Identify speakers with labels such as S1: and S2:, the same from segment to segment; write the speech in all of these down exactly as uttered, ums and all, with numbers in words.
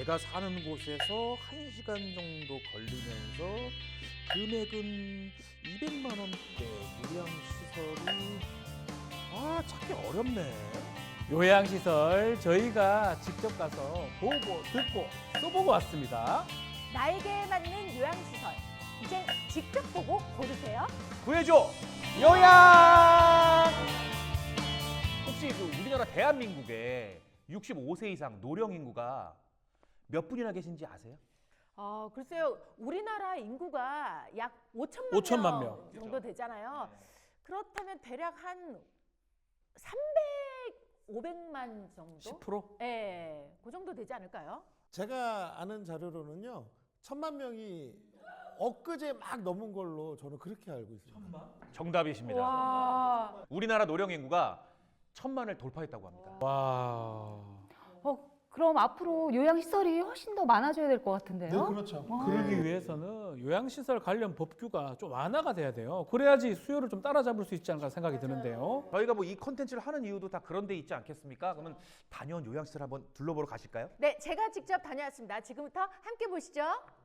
S1: 제가 사는 곳에서 한 시간 정도 걸리면서 금액은 이백만 원대 요양시설이 아 찾기 어렵네.
S2: 요양시설 저희가 직접 가서 보고 듣고 써보고 왔습니다.
S3: 나에게 맞는 요양시설. 이제 직접 보고 고르세요.
S1: 구해줘 요양. 혹시 그 우리나라 대한민국에 육십오 세 이상 노령 인구가 몇 분이나 계신지 아세요?
S3: 어, 글쎄요. 우리나라 인구가 약 오천만,
S2: 오천만
S3: 명
S2: 명.
S3: 정도 되잖아요. 그렇다면 대략 한 삼백, 오백만 정도?
S2: 십 퍼센트?
S3: 네, 그 정도 되지 않을까요?
S4: 제가 아는 자료로는요, 천만 명이 엊그제 막 넘은 걸로 저는 그렇게 알고 있습니다.
S1: 정답이십니다.
S3: 와.
S1: 우리나라 노령 인구가 천만을 돌파했다고 합니다.
S2: 와.
S5: 어, 그럼 앞으로 요양시설이 훨씬 더 많아져야 될 것 같은데요?
S4: 그렇죠.
S2: 그러기 위해서는 요양시설 관련 법규가 좀 완화가 돼야 돼요. 그래야지 수요를 좀 따라잡을 수 있지 않을까 생각이 드는데요.
S1: 저희가 뭐 이 컨텐츠를 하는 이유도 다 그런 데 있지 않겠습니까? 그러면 다녀온 요양시설 한번 둘러보러 가실까요?
S3: 네, 제가 직접 다녀왔습니다. 지금부터 함께 보시죠.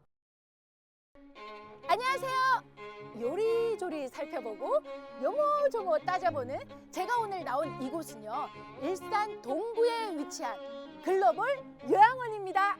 S3: 안녕하세요. 요리조리 살펴보고 요모조모 따져보는 제가 오늘 나온 이곳은요, 일산 동구에 위치한 글로벌 요양원입니다.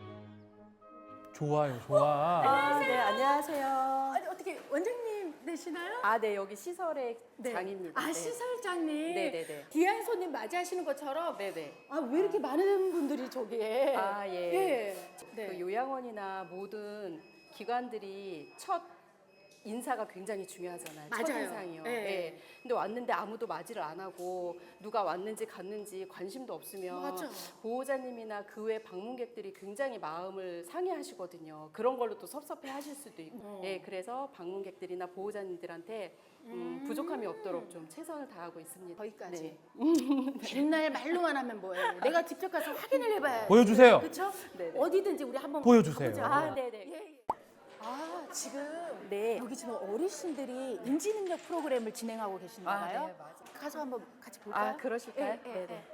S2: 좋아요, 좋아.
S6: 아, 네, 안녕하세요.
S3: 아니, 어떻게 원장님 되시나요?
S6: 아, 네, 여기 시설의
S3: 네.
S6: 장입니다.
S3: 아,
S6: 네.
S3: 시설장님.
S6: 네, 네, 네.
S3: 귀한 손님 맞이하시는 것처럼
S6: 네, 네.
S3: 아, 왜 이렇게 많은 분들이 저기에?
S6: 아, 예.
S3: 예. 네.
S6: 그 요양원이나 모든 기관들이 첫 인사가 굉장히 중요하잖아요. 첫
S3: 맞아요.
S6: 인상이요.
S3: 네.
S6: 예. 근데 왔는데 아무도 맞이를 안 하고 누가 왔는지 갔는지 관심도 없으면
S3: 맞아.
S6: 보호자님이나 그 외 방문객들이 굉장히 마음을 상해하시거든요. 그런 걸로 또 섭섭해하실 수도 있고.
S3: 어.
S6: 예, 그래서 방문객들이나 보호자님들한테 음, 부족함이 없도록 좀 최선을 다하고 있습니다.
S3: 거기까지.
S6: 네.
S3: 맨날 말로만 하면 뭐예요? 내가 직접 가서 확인을 해봐야
S2: 보여주세요.
S3: 그렇죠?
S6: 네, 네.
S3: 어디든지 우리 한번
S2: 보여주세요.
S3: 가보자.
S6: 아, 네, 네.
S3: 예, 예. 아, 지금
S6: 네.
S3: 여기 지금 어르신들이 인지능력 프로그램을 진행하고 계신가
S6: 아,
S3: 봐요.
S6: 네, 맞아요.
S3: 가서 한번 같이 볼까요?
S6: 아, 그러실까요?
S3: 예, 예,
S6: 네, 네.
S3: 예.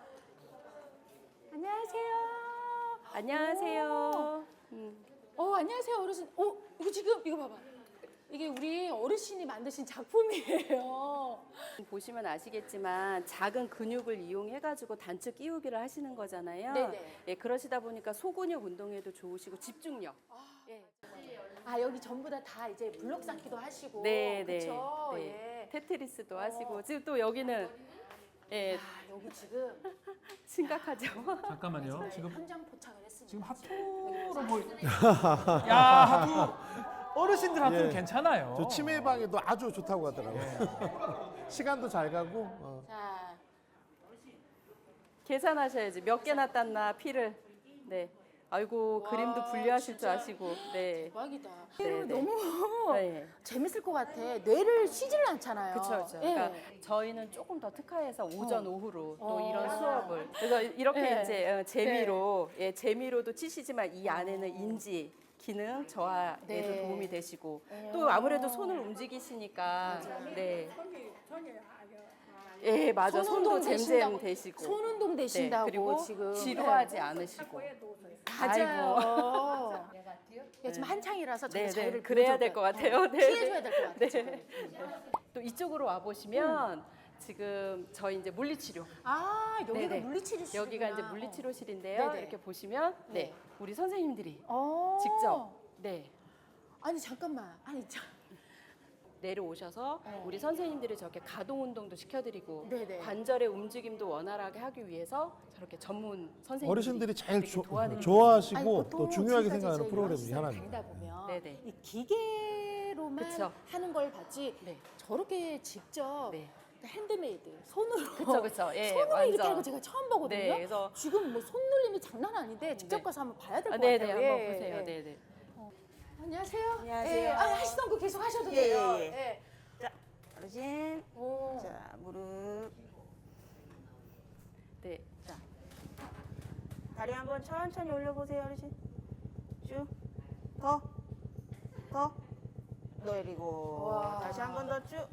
S3: 안녕하세요.
S6: 안녕하세요. 음.
S3: 어, 안녕하세요, 어르신. 어, 이거 지금 이거 봐봐. 이게 우리 어르신이 만드신 작품이에요.
S6: 보시면 아시겠지만 작은 근육을 이용해가지고 단축 끼우기를 하시는 거잖아요.
S3: 네네.
S6: 예, 그러시다 보니까 소근육 운동에도 좋으시고 집중력. 예.
S3: 아, 여기 전부 다 다 이제 블록 쌓기도 하시고.
S6: 네, 네.
S3: 그렇죠.
S6: 네.
S3: 예.
S6: 테트리스도
S3: 어.
S6: 하시고 지금 또 여기는 예,
S3: 아, 여기 지금
S6: 심각하죠.
S2: 잠깐만요. 지금
S3: 현장 포착을 했습니다.
S2: 지금 하프로 보이. 야, 하프. 어르신들 하프는
S4: 예.
S2: 괜찮아요.
S4: 저 치매 방에도 아주 좋다고 하더라고요. 시간도 잘 가고. 어.
S3: 자,
S6: 계산하셔야지 몇 개나 땄나 피를. 네. 아이고
S3: 와,
S6: 그림도 분류하실
S3: 진짜.
S6: 줄 아시고. 네.
S3: 대박이다.
S6: 네, 네.
S3: 너무
S6: 네.
S3: 재밌을 것 같아. 뇌를 쉬지를 않잖아요.
S6: 그렇죠, 그렇죠.
S3: 예.
S6: 그러니까 저희는 조금 더 특화해서 오전,
S3: 어.
S6: 오후로 또
S3: 어.
S6: 이런 수업을 그래서 이렇게
S3: 네.
S6: 이제 어, 재미로 예, 재미로도 치시지만 이 안에는 인지 기능 저하에도
S3: 네.
S6: 도움이 되시고 또 아무래도 손을 움직이시니까 네. 예, 맞아.
S3: 손
S6: 손도
S3: 운동
S6: 잼잼
S3: 되신다고.
S6: 되시고.
S3: 손 운동
S6: 네,
S3: 되신다고
S6: 그리고
S3: 지금
S6: 지루하지 않으시고.
S3: 맞아요. 예, 지금 한창이라서 저희
S6: 네,
S3: 자유를
S6: 네. 그래야
S3: 보여줘야
S6: 될 것
S3: 돼요.
S6: 같아요. 네.
S3: 피해줘야 될 것 같아요.
S6: 네.
S3: 지금.
S6: 또 이쪽으로 와 보시면 지금 저희 이제 물리치료
S3: 아, 여기가
S6: 네네.
S3: 물리치료실.
S6: 여기가 이제 물리치료실인데요.
S3: 네네.
S6: 이렇게 보시면 네,
S3: 네.
S6: 우리 선생님들이
S3: 어.
S6: 직접 네
S3: 아니 잠깐만. 아니 저,
S6: 내려오셔서
S3: 어.
S6: 우리 선생님들이 저렇게 가동 운동도 시켜드리고
S3: 네네.
S6: 관절의 움직임도 원활하게 하기 위해서 저렇게 전문 선생님들이
S4: 어르신들이 제일
S6: 이렇게
S4: 조-
S6: 도와드리고
S3: 아니,
S4: 좋아하시고
S3: 보통
S4: 또 중요하게
S3: 지금까지
S4: 생각하는
S3: 이제
S4: 프로그램 중에
S3: 요양시설
S4: 하나입니다.
S3: 다니다 보면
S6: 네네.
S3: 이 기계로만
S6: 그쵸.
S3: 하는 걸 봤지
S6: 네.
S3: 저렇게 직접
S6: 네.
S3: 핸드메이드 손으로
S6: 그쵸, 그쵸. 예,
S3: 손으로
S6: 완전.
S3: 이렇게 하는 거 제가 처음 보거든요.
S6: 네, 그래서
S3: 지금 뭐 손놀림이 장난 아닌데 직접
S6: 네.
S3: 가서 한번 봐야 될 것
S6: 아, 네네
S3: 같아요.
S6: 한번
S3: 예,
S6: 보세요.
S3: 예.
S6: 네네.
S3: 안녕하세요.
S7: 안녕하세요.
S3: 예, 아, 하시던 거 계속 하셔도
S7: 예,
S3: 돼요.
S7: 예,
S3: 예.
S7: 어르신,
S3: 오.
S7: 자 무릎,
S6: 네.
S7: 자 다리 한번 천천히 올려보세요, 어르신. 쭉, 더, 더, 내리고
S3: 와.
S7: 다시 한 번 더 쭉,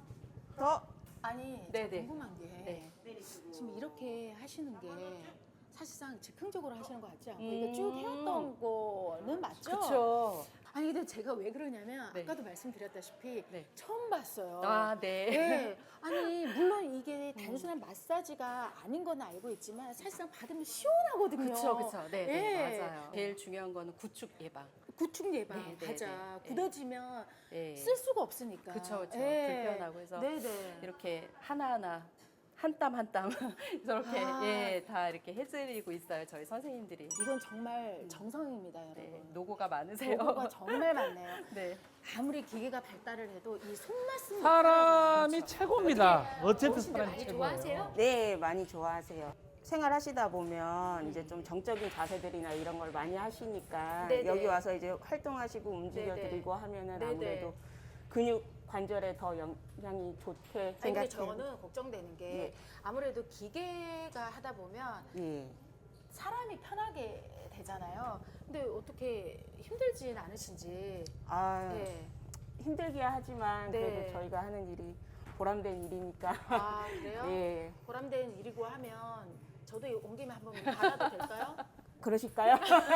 S7: 더.
S3: 아니, 저
S6: 네네.
S3: 궁금한 게
S6: 네.
S3: 지금 이렇게 하시는 게 사실상 즉흥적으로 하시는 거 같지 않고
S6: 음.
S3: 이게 쭉 해왔던 거는 맞죠?
S6: 그렇죠.
S3: 아니 근데 제가 왜 그러냐면
S6: 네.
S3: 아까도 말씀드렸다시피
S6: 네.
S3: 처음 봤어요.
S6: 아, 네.
S3: 네. 아니 물론 이게 단순한 마사지가 아닌 건 알고 있지만 사실상 받으면 시원하거든요.
S6: 그렇죠, 그렇죠. 네, 네,
S3: 예.
S6: 맞아요. 제일 중요한 거는 구축 예방.
S3: 구축 예방
S6: 네, 네,
S3: 맞아.
S6: 네, 네.
S3: 굳어지면
S6: 네.
S3: 쓸 수가 없으니까.
S6: 그쵸, 그쵸.
S3: 예.
S6: 불편하고 해서
S3: 네네.
S6: 이렇게 하나하나 한 땀 한 땀 저렇게
S3: 아.
S6: 예, 다 이렇게 해드리고 있어요. 저희 선생님들이.
S3: 이건 정말 정성입니다, 여러분.
S6: 네, 노고가 많으세요.
S3: 노고가 정말 많네요.
S6: 네.
S3: 아무리 기계가 발달을 해도 이 손맛은
S2: 사람이 최고입니다. 어쨌든
S3: 어르신들
S2: 사람이
S3: 많이
S2: 최고예요.
S3: 좋아하세요?
S7: 네, 많이 좋아하세요. 생활하시다 보면 이제 좀 정적인 자세들이나 이런 걸 많이 하시니까
S3: 네네.
S7: 여기 와서 이제 활동하시고 움직여
S3: 네네.
S7: 드리고 하면은
S3: 네네.
S7: 아무래도 근육 관절에 더 영향이 좋게
S3: 아니 근데
S7: 생각해요.
S3: 저는 걱정되는 게
S7: 네.
S3: 아무래도 기계가 하다 보면
S7: 예.
S3: 사람이 편하게 되잖아요. 근데 어떻게 힘들진 않으신지.
S7: 아,
S3: 네.
S7: 힘들긴 하지만
S3: 네.
S7: 그래도 저희가 하는 일이 보람된 일이니까.
S3: 아 그래요?
S7: 예.
S3: 보람된 일이고 하면 저도 온 김에 한번 받아도 될까요?
S7: 그러실까요?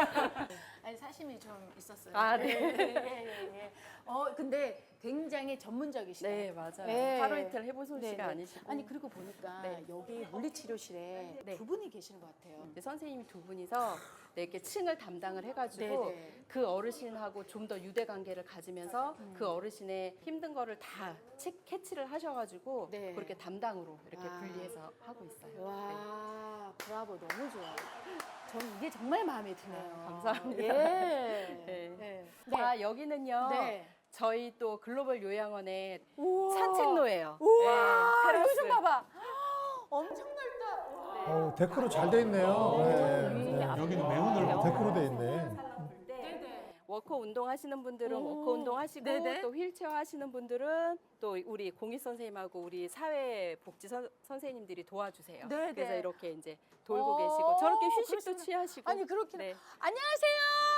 S3: 아니 사심이 좀 있었어요.
S6: 아, 네.
S3: 예, 예, 예. 어 근데 굉장히 전문적이시다.
S6: 네, 맞아요.
S3: 네.
S6: 하루 이틀 해본 솜씨가
S3: 네, 네.
S6: 아니시고.
S3: 아니 그리고 보니까
S6: 네.
S3: 여기 물리치료실에
S6: 네.
S3: 두 분이 계시는 것 같아요.
S6: 이제 선생님이 두 분이서 네, 이렇게 층을 담당을 해가지고
S3: 네네.
S6: 그 어르신하고 좀 더 유대 관계를 가지면서 그 어르신의 힘든 거를 다 치- 캐치를 하셔가지고
S3: 네.
S6: 그렇게 담당으로 이렇게
S3: 아.
S6: 분리해서 하고 있어요. 네.
S3: 와 브라보 너무 좋아요. 저는 이게 정말 마음에 드네요.
S6: 아, 감사합니다.
S3: 예.
S6: 네.
S3: 네.
S6: 자, 여기는요.
S3: 네.
S6: 저희 또 글로벌 요양원의
S3: 우와.
S6: 산책로예요.
S3: 우와.
S6: 네,
S3: 이거
S6: 테라스.
S3: 좀 봐봐. 엄청 넓다.
S4: 어, 데크로 잘 돼 있네요. 네.
S1: 여기는 매우 넓어.
S4: 데크로 돼 있네.
S3: 네네.
S6: 워커 운동 하시는 분들은
S3: 오.
S6: 워커 운동 하시고
S3: 네네.
S6: 또 휠체어 하시는 분들은 또 우리 공익 선생님하고 우리 사회복지 선, 선생님들이 도와주세요.
S3: 네네.
S6: 그래서 이렇게 이제 돌고
S3: 오,
S6: 계시고 저렇게 휴식도
S3: 그러시구나.
S6: 취하시고
S3: 아니 그렇긴
S6: 네.
S3: 안녕하세요.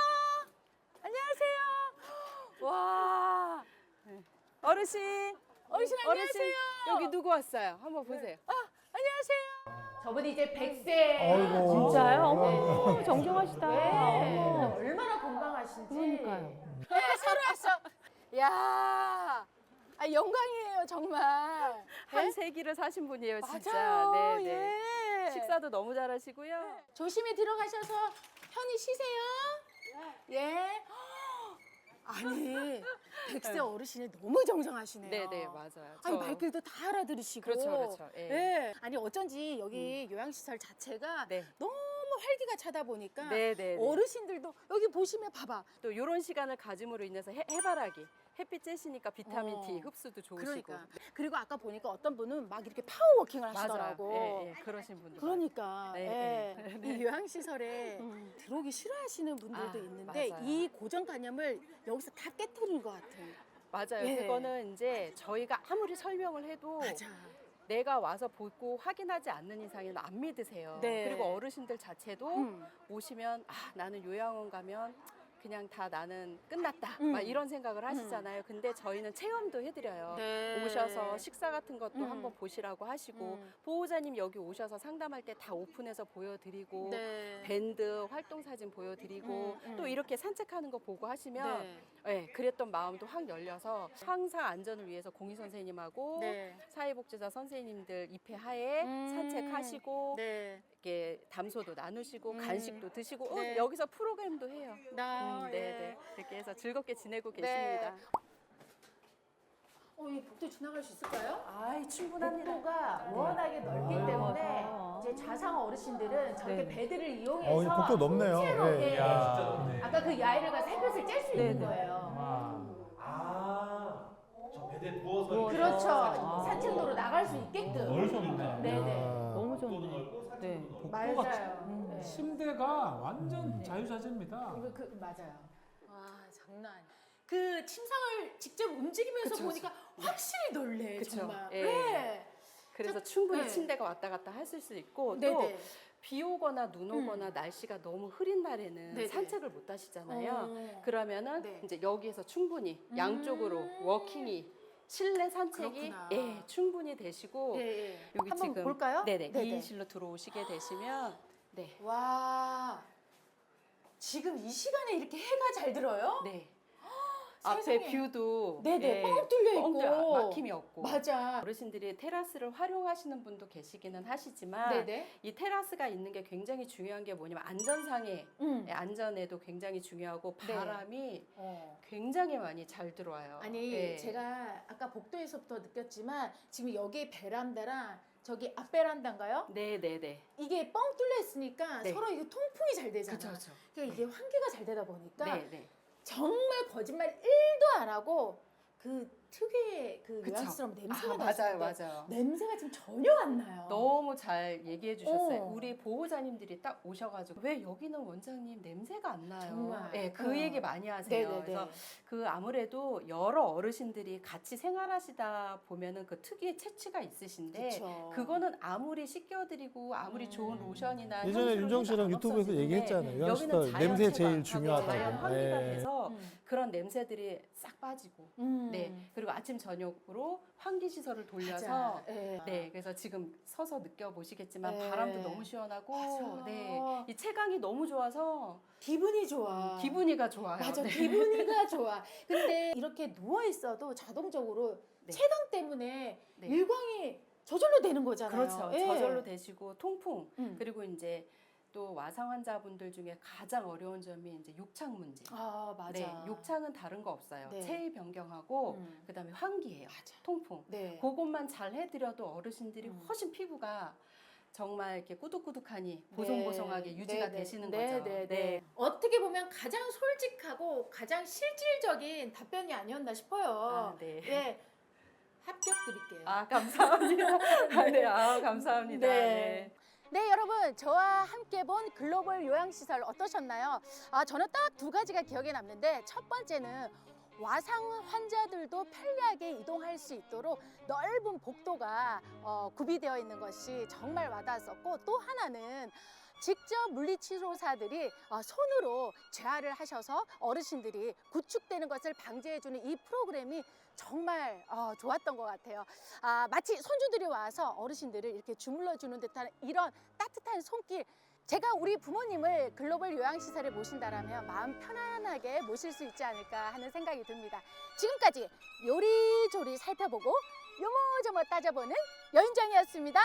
S3: 안녕하세요. 와.
S6: 어르신
S3: 어르신 안녕하세요.
S6: 여기 누구 왔어요? 한번 보세요.
S3: 아, 안녕하세요. 저분이 이제 백 세.
S4: 아이고.
S5: 진짜요? 어머, 정정하시다.
S3: 네.
S5: 어머.
S3: 얼마나 건강하신지.
S5: 그러니까요.
S3: 네, 새로 왔어. 야, 아, 영광이에요 정말.
S6: 한 세기를 사신 분이에요, 진짜.
S3: 맞아요.
S6: 네, 네.
S3: 예.
S6: 식사도 너무 잘하시고요.
S3: 조심히 들어가셔서 편히 쉬세요. 예. 아니 백세 어르신이 너무 정정하시네요.
S6: 네, 네, 맞아요.
S3: 아니
S6: 저-
S3: 말귀도 다 알아들으시고.
S6: 그렇죠, 그렇죠. 예.
S3: 예. 아니 어쩐지 여기 요양시설 자체가
S6: 네.
S3: 너무 활기가 차다 보니까
S6: 네, 네, 네.
S3: 어르신들도 여기 보시면 봐봐.
S6: 또 이런 시간을 가짐으로 인해서 해, 해바라기, 햇빛 쬐시니까 비타민
S3: 어.
S6: D 흡수도 좋으시고.
S3: 그러니까. 그리고 아까 보니까 어떤 분은 막 이렇게 파워워킹을
S6: 맞아요.
S3: 하시더라고.
S6: 예, 예, 그러신 분들.
S3: 그러니까
S6: 네,
S3: 예. 이 요양시설에
S6: 음.
S3: 들어오기 싫어하시는 분들도
S6: 아,
S3: 있는데
S6: 맞아요.
S3: 이 고정관념을 여기서 다 깨뜨린 것 같아요.
S6: 맞아요.
S3: 예.
S6: 그거는 이제 저희가 아무리 설명을 해도
S3: 맞아.
S6: 내가 와서 보고 확인하지 않는 이상에는 안 믿으세요.
S3: 네.
S6: 그리고 어르신들 자체도
S3: 음.
S6: 오시면 아 나는 요양원 가면 그냥 다 나는 끝났다
S3: 음.
S6: 막 이런 생각을 하시잖아요. 근데 저희는 체험도 해드려요.
S3: 네.
S6: 오셔서 식사 같은 것도
S3: 음.
S6: 한번 보시라고 하시고
S3: 음.
S6: 보호자님 여기 오셔서 상담할 때 다 오픈해서 보여드리고
S3: 네.
S6: 밴드 활동 사진 보여드리고
S3: 음, 음.
S6: 또 이렇게 산책하는 거 보고 하시면
S3: 네.
S6: 네, 그랬던 마음도 확 열려서 항상 안전을 위해서 공익 선생님하고
S3: 네.
S6: 사회복지사 선생님들 입회하에
S3: 음.
S6: 산책하시고
S3: 네.
S6: 이렇게 담소도 나누시고
S3: 음.
S6: 간식도 드시고 어,
S3: 네.
S6: 여기서 프로그램도 해요.
S3: 나
S6: 음, 네, 네. 이렇게 해서 즐겁게 지내고
S3: 네.
S6: 계십니다.
S3: 어, 이 복도 지나갈 수 있을까요?
S6: 아이 충분합니다.
S3: 복도가 워낙에 넓기
S4: 아.
S3: 때문에 이제 자상 어르신들은 저렇게
S5: 네.
S3: 배들을
S4: 어, 이
S3: 이용해서
S4: 복도 넓네요.
S3: 통째로,
S4: 예.
S3: 예. 아까 그 야외를 햇볕을 쬐 수 있는 거예요.
S1: 아, 저 배대 부어서
S3: 그렇죠.
S5: 아.
S3: 산책로로 나갈 수 있게끔.
S1: 넓습니다.
S3: 네네.
S4: 아.
S5: 너무 좋네. 네.
S3: 맞아요. 네.
S2: 침대가 완전 자유자재입니다.
S3: 이거 그 맞아요. 와 장난. 아니야. 그 침상을 직접 움직이면서
S6: 그쵸,
S3: 보니까 확실히 넓네
S6: 그쵸.
S3: 정말.
S6: 예.
S3: 네.
S6: 그래서 충분히
S3: 네.
S6: 침대가 왔다 갔다 하실 수 있고
S3: 네네.
S6: 또 비 오거나 눈 오거나 날씨가 너무 흐린 날에는
S3: 네네.
S6: 산책을 못 하시잖아요.
S3: 어.
S6: 그러면은
S3: 네.
S6: 이제 여기에서 충분히
S3: 음.
S6: 양쪽으로 워킹이 실내 산책이
S3: 그렇구나.
S6: 예, 충분히 되시고
S3: 예, 예.
S6: 여기
S3: 한번
S6: 지금
S3: 볼까요?
S6: 네네
S3: 네네.
S6: 이인실로 들어오시게 되시면 네.
S3: 와, 지금 이 시간에 이렇게 해가 잘 들어요?
S6: 네.
S3: 세상에.
S6: 앞에 뷰도
S3: 네네,
S6: 예,
S3: 뻥 뚫려 있고.
S6: 뻥 뚫려, 막힘이 없고.
S3: 맞아.
S6: 어르신들이 테라스를 활용하시는 분도 계시기는 하시지만
S3: 네네.
S6: 이 테라스가 있는 게 굉장히 중요한 게 뭐냐면 안전상의
S3: 음.
S6: 안전에도 굉장히 중요하고
S3: 네.
S6: 바람이
S3: 어.
S6: 굉장히 많이 잘 들어와요.
S3: 아니
S6: 예.
S3: 제가 아까 복도에서부터 느꼈지만 지금 여기 베란다랑 저기 앞 베란다인가요?
S6: 네, 네, 네.
S3: 이게 뻥 뚫려 있으니까
S6: 네.
S3: 서로 이게 통풍이 잘 되잖아.
S6: 그렇죠, 그렇죠.
S3: 그러니까 이게 환기가 잘 되다 보니까
S6: 네, 네.
S3: 정말 거짓말 일도 안 하고 그 특유의 그
S6: 그쵸.
S3: 요양스러운 냄새가
S6: 아,
S3: 나요.
S6: 맞아요, 맞아요.
S3: 냄새가 지금 전혀 안 나요.
S6: 너무 잘 얘기해 주셨어요.
S3: 어.
S6: 우리 보호자님들이 딱 오셔가지고 왜 여기는 원장님 냄새가 안 나요?
S3: 정말.
S6: 네, 그
S3: 어.
S6: 얘기 많이 하세요.
S3: 네네네.
S6: 그래서 그 아무래도 여러 어르신들이 같이 생활하시다 보면은 그 특유의 체취가 있으신데
S3: 그쵸.
S6: 그거는 아무리 씻겨드리고 아무리
S3: 음.
S6: 좋은 로션이나
S4: 예전에
S6: 향수를
S4: 윤정 씨랑
S6: 해도 안
S4: 유튜브에서
S6: 없어지는데
S4: 얘기했잖아요.
S6: 여기는
S4: 요양시설
S6: 자연
S4: 냄새
S6: 채광,
S4: 제일
S6: 자연
S4: 중요하다고.
S6: 환기가
S4: 예.
S6: 돼서
S3: 음.
S6: 그런 냄새들이 싹 빠지고
S3: 음.
S6: 네 그리고 아침 저녁으로 환기 시설을 돌려서
S3: 맞아. 예.
S6: 네, 그래서 지금 서서 느껴보시겠지만
S3: 네.
S6: 바람도 너무 시원하고,
S3: 맞아.
S6: 네, 이 채광이 너무 좋아서
S3: 기분이 좋아.
S6: 기분이가 좋아요.
S3: 맞아,
S6: 네.
S3: 기분이가 좋아. 근데 이렇게 누워 있어도 자동적으로
S6: 네.
S3: 채광 때문에
S6: 네.
S3: 일광이 저절로 되는 거잖아요.
S6: 그렇죠.
S3: 예.
S6: 저절로 되시고 통풍
S3: 음.
S6: 그리고 이제 또 와상 환자분들 중에 가장 어려운 점이 이제 욕창 문제.
S3: 아 맞아.
S6: 네, 욕창은 다른 거 없어요.
S3: 네.
S6: 체위 변경하고
S3: 음.
S6: 그다음에 환기예요.
S3: 맞아.
S6: 통풍.
S3: 네.
S6: 그것만 잘 해드려도 어르신들이
S3: 음.
S6: 훨씬 피부가 정말 이렇게 꾸덕꾸덕하니 보송보송하게 유지가
S3: 네, 네.
S6: 되시는
S3: 네,
S6: 거죠.
S3: 네, 네. 어떻게 보면 가장 솔직하고 가장 실질적인 답변이 아니었나 싶어요.
S6: 아, 네.
S3: 예. 합격 드릴게요.
S6: 아 감사합니다. 아, 네, 아 감사합니다.
S3: 네.
S6: 네.
S3: 네, 여러분 저와 함께 본 글로벌 요양시설 어떠셨나요? 아, 저는 딱 두 가지가 기억에 남는데 첫 번째는 와상 환자들도 편리하게 이동할 수 있도록 넓은 복도가 어, 구비되어 있는 것이 정말 와닿았었고 또 하나는 직접 물리치료사들이 어, 손으로 재활을 하셔서 어르신들이 구축되는 것을 방지해주는 이 프로그램이 정말 어, 좋았던 것 같아요. 아, 마치 손주들이 와서 어르신들을 이렇게 주물러주는 듯한 이런 따뜻한 손길. 제가 우리 부모님을 글로벌 요양시설에 모신다라면 마음 편안하게 모실 수 있지 않을까 하는 생각이 듭니다. 지금까지 요리조리 살펴보고 요모조모 따져보는 여윤정이었습니다.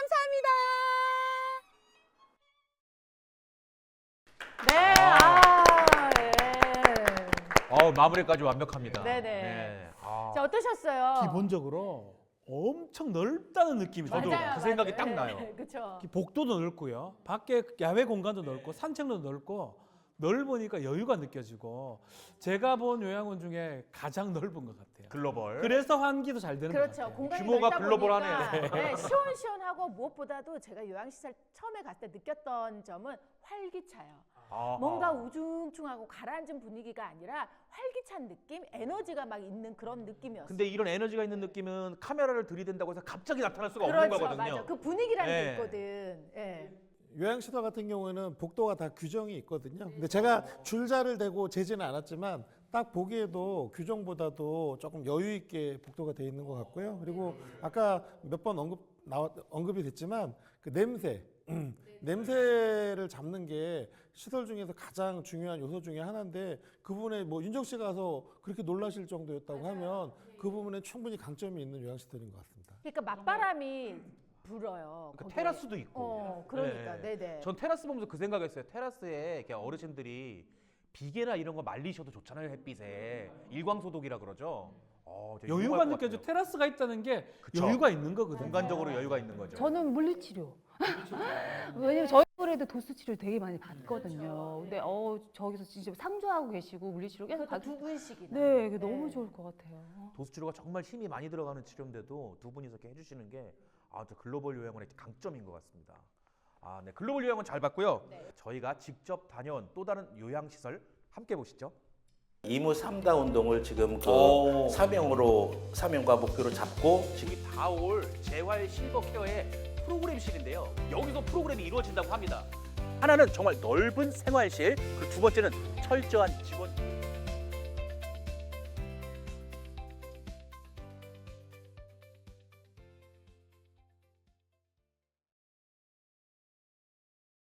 S3: 감사합니다.
S5: 네. 아, 예.
S1: 어, 마무리까지 완벽합니다.
S5: 네네.
S1: 네. 아,
S5: 자, 어떠셨어요?
S2: 기본적으로 엄청 넓다는 느낌이
S1: 저도
S2: 들어요.
S1: 그 생각이 딱 나요.
S5: 그렇죠.
S2: 복도도 넓고요. 밖에 야외 공간도 넓고 산책로도 넓고 넓으니까 여유가 느껴지고 제가 본 요양원 중에 가장 넓은 것 같아요.
S1: 글로벌.
S2: 그래서 환기도 잘 되는 것
S5: 그렇죠.
S2: 같아요.
S5: 공간이
S1: 규모가
S5: 넓다
S1: 글로벌하네요.
S5: 보니까 네, 시원시원하고 무엇보다도 제가 요양시설 처음에 갔을 때 느꼈던 점은 활기차요.
S1: 아하.
S5: 뭔가 우중충하고 가라앉은 분위기가 아니라 활기찬 느낌, 에너지가 막 있는 그런 느낌이었어요.
S1: 근데 이런 에너지가 있는 느낌은 카메라를 들이댄다고 해서 갑자기 나타날 수가 없는
S5: 그렇죠,
S1: 거거든요.
S5: 맞아. 그 분위기라는
S1: 네.
S5: 게 있거든. 예.
S4: 요양시설 같은 경우에는 복도가 다 규정이 있거든요. 근데 제가 줄자를 대고 재지는 않았지만 딱 보기에도 규정보다도 조금 여유 있게 복도가 돼 있는 것 같고요. 그리고 아까 몇 번 언급 나왔 언급이 됐지만 그 냄새, 음, 냄새를 잡는 게 시설 중에서 가장 중요한 요소 중에 하나인데 그 부분에 뭐 윤정 씨가 가서 그렇게 놀라실 정도였다고 하면 그 부분에 충분히 강점이 있는 요양시설인 것 같습니다.
S5: 그러니까 맞바람이 불어요.
S1: 그
S5: 거기에.
S1: 테라스도 있고.
S5: 어, 그러니까,
S1: 네.
S5: 네, 네.
S1: 전 테라스 보면서 그 생각했어요. 테라스에 이렇게 어르신들이 비계나 이런 거 말리셔도 좋잖아요. 햇빛에 일광 소독이라 그러죠. 어, 되게
S2: 여유가
S1: 유용할 것
S2: 느껴져.
S1: 같아요.
S2: 테라스가 있다는 게
S1: 그쵸.
S2: 여유가 있는 거거든요.
S1: 공간적으로 여유가 있는 거죠.
S5: 저는 물리치료. 왜냐면 저희 올해도 도수 치료 되게 많이 받거든요. 근데 어 저기서 진짜 상주하고 계시고 물리치료 계속 받.
S3: 두 분씩이나.
S5: 네, 이게 너무 좋을 것 같아요.
S1: 도수 치료가 정말 힘이 많이 들어가는 치료인데도 두 분이서 이렇게 해주시는 게 아, 저 글로벌 요양원의 강점인 것 같습니다. 아, 네, 글로벌 요양원 잘 봤고요. 저희가 직접 다녀온 또 다른 요양시설 함께 보시죠.
S8: 이무 삼다 운동을 지금 그
S1: 오.
S8: 사명으로 사명과 목표로 잡고
S1: 지금 다올 재활 실버 케어의 프로그램실인데요. 여기서 프로그램이 이루어진다고 합니다. 하나는 정말 넓은 생활실, 그리고 두 번째는 철저한 직원